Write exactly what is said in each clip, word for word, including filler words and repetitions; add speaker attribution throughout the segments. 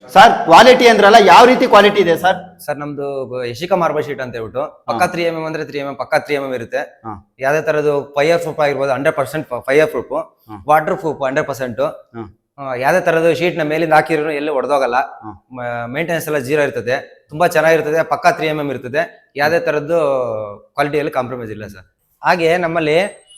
Speaker 1: Sir quality ಅಂದ್ರಲ್ಲ ಯಾವ ರೀತಿ ಕ್ವಾಲಿಟಿ ಇದೆ ಸರ್?
Speaker 2: ಸರ್ ನಮ್ದು ಯಶಿಕಾ ಮಾರ್ಬಲ್ ಶೀಟ್ ಅಂತ ಹೇಳ್ಬಿಟ್ಟು ಪಕ್ಕ ತ್ರೀ ಎಂ ಎಂ ಅಂದ್ರೆ ತ್ರೀ ಎಂ ಎಂ ಪಕ್ಕ ತ್ರೀ ಎಂ ಎಂ ಇರುತ್ತೆ. ಯಾವ್ದೇ ತರದ್ದು ಫೈರ್ ಪ್ರೂಫ್ ಆಗಿರ್ಬೋದು, hundred percent fireproof, waterproof hundred percent. ಯಾವ್ದೇ ತರದ್ದು ಶೀಟ್ ನ ಮೇಲಿಂದ ಹಾಕಿರೋ ಎಲ್ಲಿ ಹೊಡೆದೋಗಲ್ಲ. ಮೇಂಟೆನೆನ್ಸ್ ಎಲ್ಲ ಜೀರೋ ಇರ್ತದೆ, ತುಂಬಾ ಚೆನ್ನಾಗಿರ್ತದೆ. ಪಕ್ಕ ತ್ರೀ ಎಂ ಎಂ ಇರ್ತದೆ, ಯಾವ್ದೇ ತರದ್ದು ಕ್ವಾಲಿಟಿಯಲ್ಲಿ ಕಾಂಪ್ರಮೈಸ್ ಇಲ್ಲ ಸರ್. ಹಾಗೆ ನಮ್ಮಲ್ಲಿ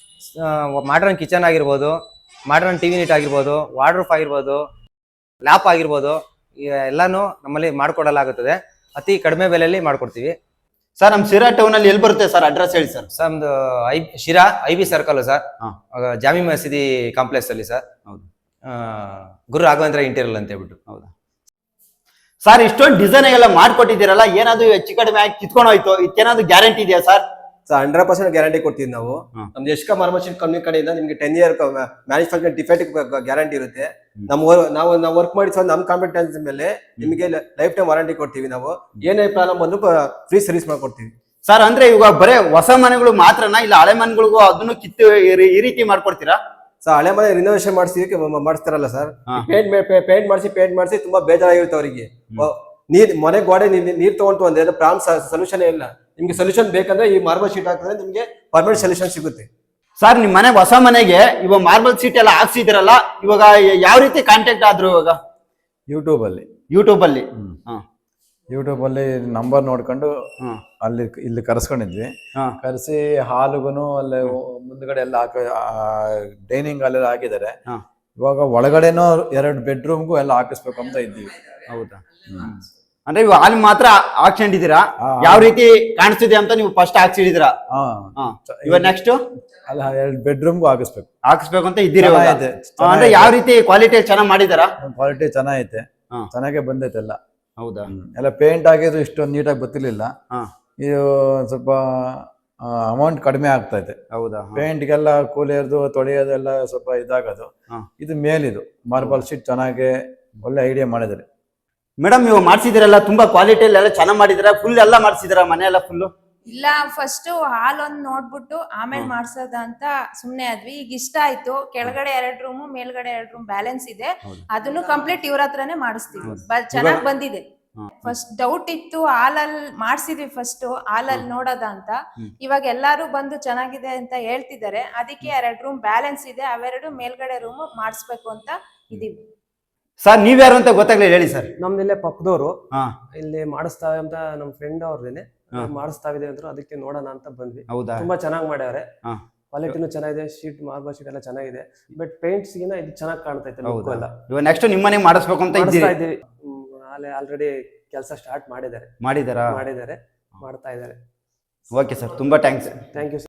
Speaker 2: ಮಾಡ್ರನ್ ಕಿಚನ್ ಆಗಿರ್ಬೋದು, ಮಾಡ್ರನ್ ಟಿವಿ ನೀಟ್ ಆಗಿರ್ಬೋದು, ವಾರ್ಡ್ರೂಫ್ ಆಗಿರ್ಬೋದು, ಲ್ಯಾಪ್ ಆಗಿರ್ಬೋದು, ಎಲ್ಲಾನು ನಮ್ಮಲ್ಲಿ ಮಾಡ್ಕೊಡಲಾಗುತ್ತದೆ. ಅತಿ ಕಡಿಮೆ ಬೆಲೆಯಲ್ಲಿ ಮಾಡ್ಕೊಡ್ತೀವಿ
Speaker 1: ಸರ್. ನಮ್ ಶಿರಾ ಟೌನ್ ಅಲ್ಲಿ ಎಲ್ಲಿ ಬರುತ್ತೆ ಸರ್? ಅಡ್ರೆಸ್ ಹೇಳಿ ಸರ್.
Speaker 2: ಸರ್ ನಮ್ದು ಐ Sira I B circle sir, ಜಾಮಿ ಮಸೀದಿ ಕಾಂಪ್ಲೆಕ್ಸ್ ಅಲ್ಲಿ ಸರ್. ಹೌದು, ಗುರು ರಾಘವೇಂದ್ರ ಇಂಟೀರಿಯಲ್ ಅಂತ ಹೇಳ್ಬಿಟ್ಟು. ಹೌದಾ
Speaker 1: ಸರ್, ಇಷ್ಟೊಂದು ಡಿಸೈನ್ ಎಲ್ಲ ಮಾಡ್ಕೊಟ್ಟಿದ್ದೀರಲ್ಲ, ಏನಾದ್ರು ಹೆಚ್ಚು ಕಡಿಮೆ ಆಗಿ ಕಿತ್ಕೊಂಡು ಹೋಯ್ತು, ಇದಕ್ಕೇನಾದ್ರು ಗ್ಯಾರಂಟಿ ಇದೆಯಾ sir?
Speaker 3: Sir hundred percent guarantee ಕೊಡ್ತೀವಿ ನಾವು. ನಮ್ದು ಯಶಿಕಾ ಮಾರ್ಬಲ್ ಶೀಟ್ ಕಂಪನಿ ಕಡೆಯಿಂದ ನಿಮ್ಗೆ ten year manufacture defect guarantee ಇರುತ್ತೆ. ನಮ್ಮ ನಾವು ನಾವು ವರ್ಕ್ ಮಾಡಿ ನಮ್ಮ ಕಾಂಪಿಟೆನ್ಸ್ ಮೇಲೆ ನಿಮಗೆ ಲೈಫ್ ಟೈಮ್ ವಾರಂಟಿ ಕೊಡ್ತೀವಿ. ನಾವು ಏನೇ ಪ್ರಾಬ್ಲಮ್ ಬಂದ್ರು ಫ್ರೀ ಸರ್ವಿಸ್ ಮಾಡ್ಕೊಡ್ತೀವಿ
Speaker 1: ಸರ್. ಅಂದ್ರೆ ಇವಾಗ ಬರೇ ಹೊಸ ಮನೆಗಳು ಮಾತ್ರನಾ, ಇಲ್ಲ ಹಳೆ ಮನೆಗಳಿಗೂ ಅದನ್ನು ಕಿತ್ತು ಈ ರೀತಿ ಮಾಡ್ಕೊಡ್ತೀರಾ
Speaker 3: ಸರ್? ಹಳೆ ಮನೆ ರಿನೋವೇಷನ್ ಮಾಡಿಸಿ ಮಾಡಿಸ್ತಾರಲ್ಲ ಸರ್, ಪೇಂಟ್ ಪೇಂಟ್ ಮಾಡಿಸಿ ಪೇಂಟ್ ಮಾಡಿಸಿ ತುಂಬಾ ಬೇಜಾರಾಗಿರುತ್ತೆ ಅವರಿಗೆ. ನೀರ್ ಮನೆ ಗೋಡೆ ನೀರ್ ತಗೊಂಡು ಅಂದ್ರೆ ಅದು ಪ್ರಾಬ್ಲಮ್ ಸೊಲ್ಯೂಷನ್ ಇಲ್ಲ. ನಿಮ್ಗೆ ಸೊಲ್ಯೂಷನ್ ಬೇಕಂದ್ರೆ ಈ ಮಾರ್ಬಲ್ ಶೀಟ್ ಹಾಕಿದ್ರೆ ನಿಮ್ಗೆ ಪರ್ಮನೆಂಟ್ ಸೊಲ್ಯೂಷನ್ ಸಿಗುತ್ತೆ
Speaker 1: ಸರ್. ನಿಮ್ ಮನೆ ಹೊಸ ಮನೆಗೆ ಇವಾಗ ಮಾರ್ಬಲ್ ಶೀಟ್ ಎಲ್ಲ ಹಾಕ್ಸಿದಿರಲ್ಲ, ಇವಾಗ ಯಾವ ರೀತಿ ಕಾಂಟ್ಯಾಕ್ಟ್ ಆದ್ರು? ಇವಾಗ
Speaker 4: ಯೂಟ್ಯೂಬ್ ಅಲ್ಲಿ
Speaker 1: ಯೂಟ್ಯೂಬ್ ಅಲ್ಲಿ
Speaker 4: ಯೂಟ್ಯೂಬ್ ಅಲ್ಲಿ ನಂಬರ್ ನೋಡ್ಕೊಂಡು ಅಲ್ಲಿ ಇಲ್ಲಿ ಕರ್ಸ್ಕೊಂಡಿದ್ವಿ. ಕರೆಸಿ ಹಾಲುಗುನು ಅಲ್ಲಿ ಮುಂದ್ಗಡೆ ಎಲ್ಲ ಹಾಕ ಡೈನಿಂಗ್ ಹಾಲ್ ಹಾಕಿದ್ದಾರೆ. ಇವಾಗ ಒಳಗಡೆನೂ ಎರಡು ಬೆಡ್ರೂಮ್ಗೂ ಎಲ್ಲ ಹಾಕಿಸ್ಬೇಕು ಅಂತ ಇದ್ದೀವಿ.
Speaker 1: ಹೌದಾ? ಅಂದ್ರೆ ಇವಾಗ ಹಾಲ್ ಮಾತ್ರ ಹಾಕ್ಕೊಂಡಿದ್ದೀರಾ? ಯಾವ ರೀತಿ ಕಾಣಿಸ್ತಿದೆ ಅಂತ ನೀವು ಫಸ್ಟ್ ಹಾಕ್ಸಿದ್ದೀರಾ? ಇವಾಗ ನೆಕ್ಸ್ಟ್
Speaker 4: ಅಲ್ಲ ಎರಡು ಬೆಡ್ರೂಮ್ಗೂ ಹಾಕಿಸ್ಬೇಕು
Speaker 1: ಹಾಕಿಸ್ಬೇಕು ಅಂತ ಇದ್ದೀರಾ? ಅಂದ್ರೆ ಯಾವ ರೀತಿ ಕ್ವಾಲಿಟಿ ಚೆನ್ನಾಗಿ ಮಾಡಿದಾರಾ?
Speaker 4: ಕ್ವಾಲಿಟಿ ಚೆನ್ನಾಗೈತೆ, ಚೆನ್ನಾಗೇ ಬಂದೈತೆ ಎಲ್ಲ.
Speaker 1: ಹೌದಾ?
Speaker 4: ಎಲ್ಲ ಪೇಂಟ್ ಆಗಿದ್ರು ಇಷ್ಟೊಂದು ನೀಟಾಗಿ ಗೊತ್ತಿರ್ಲಿಲ್ಲ. ಇದು ಸ್ವಲ್ಪ ಅಮೌಂಟ್ ಕಡಿಮೆ ಆಗ್ತೈತೆ.
Speaker 1: ಹೌದಾ?
Speaker 4: ಪೇಂಟ್ಗೆಲ್ಲ ಕೂಲಿಯರ್ದು ತೊಳೆಯೋದೆಲ್ಲ ಸ್ವಲ್ಪ ಇದಾಗೋದು. ಇದು ಮೇಲಿದು ಮಾರ್ಬಲ್ ಶೀಟ್ ಚೆನ್ನಾಗಿ ಒಳ್ಳೆ ಐಡಿಯಾ ಮಾಡಿದ್ದಾರೆ
Speaker 1: ಮೇಡಮ್. ನೀವು ಮಾಡ್ಸಿದಿರಲ್ಲ, ತುಂಬಾ ಕ್ವಾಲಿಟಿಯಲ್ಲಿ ಎಲ್ಲ ಚೆನ್ನಾಗಿ ಮಾಡಿದಿರ. ಫುಲ್ ಎಲ್ಲ ಮಾಡ್ಸಿದಿರ ಮನೆ ಎಲ್ಲ ಫುಲ್?
Speaker 5: ಇಲ್ಲ, ಫಸ್ಟ್ ಹಾಲ್ ಒಂದ್ ನೋಡ್ಬಿಟ್ಟು ಆಮೇಲೆ ಮಾಡ್ಸೋದ ಅಂತ ಸುಮ್ನೆ ಆದ್ವಿ. ಈಗ ಇಷ್ಟ ಆಯ್ತು. ಕೆಳಗಡೆ ಎರಡ್ ರೂಮ್, ಮೇಲ್ಗಡೆ ಎರಡ್ ರೂಮ್ ಬ್ಯಾಲೆನ್ಸ್ ಇದೆ. ಅದನ್ನು ಕಂಪ್ಲೀಟ್ ಇವ್ರ ಹತ್ರನೇ ಮಾಡಿಸ್ತೀವಿ. ಚೆನ್ನಾಗ್ ಬಂದಿದೆ. ಫಸ್ಟ್ ಡೌಟ್ ಇತ್ತು, ಹಾಲಲ್ಲಿ ಮಾಡ್ಸಿದ್ವಿ ಫಸ್ಟ್ ಹಾಲಲ್ಲಿ ನೋಡೋದ ಅಂತ. ಇವಾಗ ಎಲ್ಲಾರು ಬಂದು ಚೆನ್ನಾಗಿದೆ ಅಂತ ಹೇಳ್ತಿದ್ದಾರೆ. ಅದಕ್ಕೆ ಎರಡ್ ರೂಮ್ ಬ್ಯಾಲೆನ್ಸ್ ಇದೆ, ಅವೆರಡು ಮೇಲ್ಗಡೆ ರೂಮ್ ಮಾಡಿಸ್ಬೇಕು ಅಂತ ಇದೀವಿ.
Speaker 1: ಸರ್ ನೀವ್ಯಾರು ಅಂತ ಗೊತ್ತಾಗ್ಲಿಲ್ಲ, ಹೇಳಿ ಸರ್.
Speaker 6: ನಮ್ದು ಇಲ್ಲೇ ಪಕ್ಕದವರು ಇಲ್ಲಿ ಮಾಡಿಸ್ತಾವೆ ಅಂತ ನಮ್ ಫ್ರೆಂಡ್ ಅವ್ರದೇನೆ ಮಾಡಿಸ್ತಾವಿದೆ ಅಂದ್ರು, ಅದಕ್ಕೆ ನೋಡೋಣ ಅಂತ ಬಂದ್ವಿ. ತುಂಬಾ ಚೆನ್ನಾಗಿ ಮಾಡ್ಯಾವ್ರೆ, ಕ್ವಾಲಿಟಿನೂ ಚೆನ್ನಾಗಿದೆ, ಶೀಟ್ ಮಾರ್ಬಲ್ ಶೀಟ್ ಎಲ್ಲ ಚೆನ್ನಾಗಿದೆ. ಬಟ್ ಪೇಂಟ್ಸ್ ಗಿನ ಇದು ಚೆನ್ನಾಗಿ ಕಾಣ್ತೈತೆ.
Speaker 1: ಇವಾಗ ನೆಕ್ಸ್ಟ್ ನಿಮ್ಮನೆ ಮಾಡಿಸ್ಬೇಕು ಅಂತ
Speaker 6: ಇದ್ದೀವಿ. ಆಲ್ರೆಡಿ ಕೆಲಸ ಸ್ಟಾರ್ಟ್ ಮಾಡಿದ್ದಾರೆ
Speaker 1: ಮಾಡಿದಾರಾ
Speaker 6: ಮಾಡಿದ್ದಾರೆ ಮಾಡ್ತಾ ಇದ್ದಾರೆ.
Speaker 1: ಓಕೆ ಸರ್, ತುಂಬಾ ಥ್ಯಾಂಕ್ಸ್.
Speaker 6: Thank you.